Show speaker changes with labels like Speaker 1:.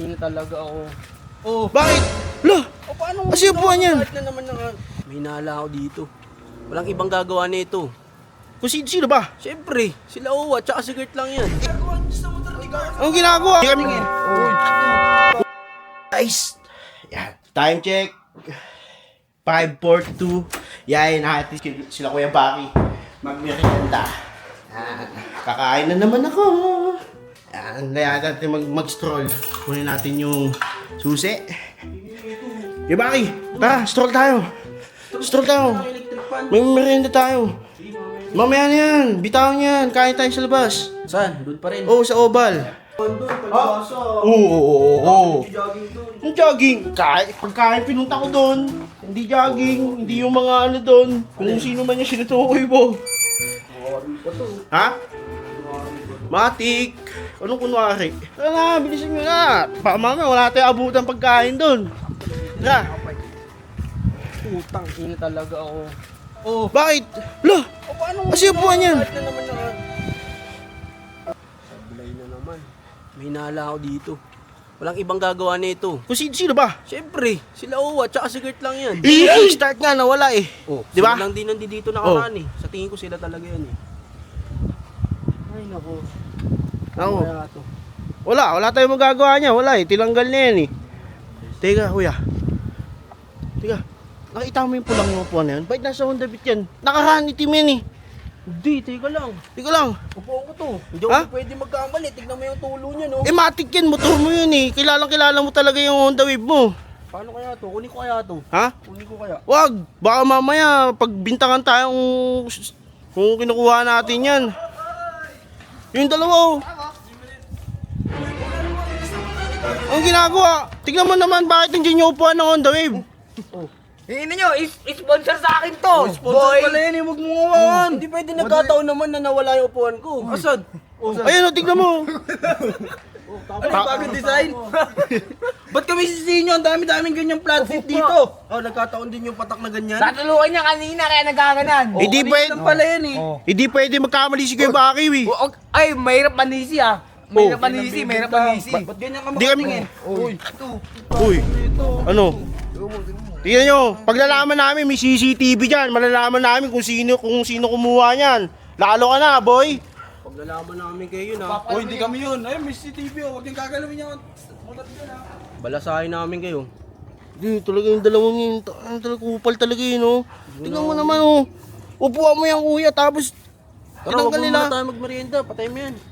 Speaker 1: ina talaga ako.
Speaker 2: Oh, bakit? Lah,
Speaker 1: Paano
Speaker 2: kasi upuan yan.
Speaker 1: Na naman may hinala ako dito. Walang ibang gagawa nito.
Speaker 2: Kung sino ba?
Speaker 1: Siyempre, sila Owa, tsaka si Gert lang yan.
Speaker 2: Anong ginagawa? Guys, yan. Time check. 5:42. Yan, natin sila Kuya Baki. Magmerienda. Yan. Kakain na naman ako. Yan, kaya natin mag-stroll. Kunin natin yung susi. Kuya Baki, tara, stroll tayo. Stroll tayo. May merienda tayo. Mamaya na yan, bitawan yan, kain tayo sa labas.
Speaker 1: Saan? Doon pa rin.
Speaker 2: Oo, sa Oval. Oo. Yung jogging, pagkain pinunta ko doon. Hindi jogging, hindi yung mga ano doon. Kung sino man yung sinutukoy mo. Ha? Matik. Anong kunwari? Tara na, bilisan nyo na. Baka mamaya wala tayong abutan pagkain doon. Tara.
Speaker 1: Putang ina talaga ako.
Speaker 2: Oh, bakit? Lah,
Speaker 1: Paano
Speaker 2: kasi upuan yan.
Speaker 1: na naman Sablay na naman. May hinala ako dito. Walang ibang gagawa nito.
Speaker 2: Kung sino ba?
Speaker 1: Siyempre, sila Owa, tsaka si Gert lang yan.
Speaker 2: Start nga, nawala eh.
Speaker 1: Oh,
Speaker 2: Di ba?
Speaker 1: sila lang din nandito nakaraan eh. Sa tingin ko sila talaga yan eh. Ay nako.
Speaker 2: Ako.
Speaker 1: Kaya to.
Speaker 2: Wala tayong magagawa niya. Wala eh, tilanggal na yan eh. Teka, kuya. Teka, nakita mo yung pulang yung upuan na yan? Bakit nasa Honda Beat yan? Nakaraan itim yan eh.
Speaker 1: Hindi, teka lang.
Speaker 2: Teka lang.
Speaker 1: Upo ko to. Hindi
Speaker 2: Ha?
Speaker 1: ako pwede magkamali. Tignan mo yung tulo niya, no?
Speaker 2: Eh matik yan, motor mo yun eh. Kilala mo talaga yung Honda Wave mo.
Speaker 1: Paano kaya to? Kunin ko kaya to.
Speaker 2: Ha?
Speaker 1: Kunin ko kaya.
Speaker 2: Wag, baka mamaya pagbintangan tayo kung kinukuha natin yan. Yung dalawa oh. Ang ginagawa? Tignan mo naman bakit hindi nyo upuan ng Honda Wave.
Speaker 3: Hingin nyo, sponsor sa akin to!
Speaker 1: Sponsor pala yan eh, huwag mo ngawan. Hindi pwede nagkataon naman na nawala yung upuan ko. Asan?
Speaker 2: Ayun oh, tignan mo.
Speaker 1: Ano yung bagong design? Ba't kami sisihin nyo? Ang dami-daming ganyang flat seat dito. Oh, nagkataon din yung patak na ganyan.
Speaker 3: Natulungan niya kanina kaya nagkaganan.
Speaker 2: Hindi
Speaker 1: kanina
Speaker 2: pwede.
Speaker 1: lang pala yan eh.
Speaker 2: Hindi pwede magkamali si Kuya Baki eh.
Speaker 3: Ay, mahirap manisi ah. Mahirap manisi, mahirap manisi.
Speaker 1: Ba't ganyan ka
Speaker 2: Di kami-
Speaker 1: makatingin? Uy,
Speaker 2: Uy, ano? Tingnan nyo, paglalaman namin may CCTV dyan, malalaman namin kung sino kumuha niyan. Lalo ka na, boy.
Speaker 1: paglalaman namin kayo yun ha.
Speaker 4: Oh, hindi kami yun. Ayun, may CCTV oh. Huwag yung gagalawin niya.
Speaker 1: Balasahin namin kayo.
Speaker 2: Hindi, talaga yung dalawang yun, talaga kupal talaga yun, oh. Tingnan mo naman, oh. Upuan mo yan, kuya, tapos
Speaker 1: Tara, huwag
Speaker 2: tinanggal
Speaker 1: mo
Speaker 2: nila.
Speaker 1: muna tayo magmerienda. Patay mo yan.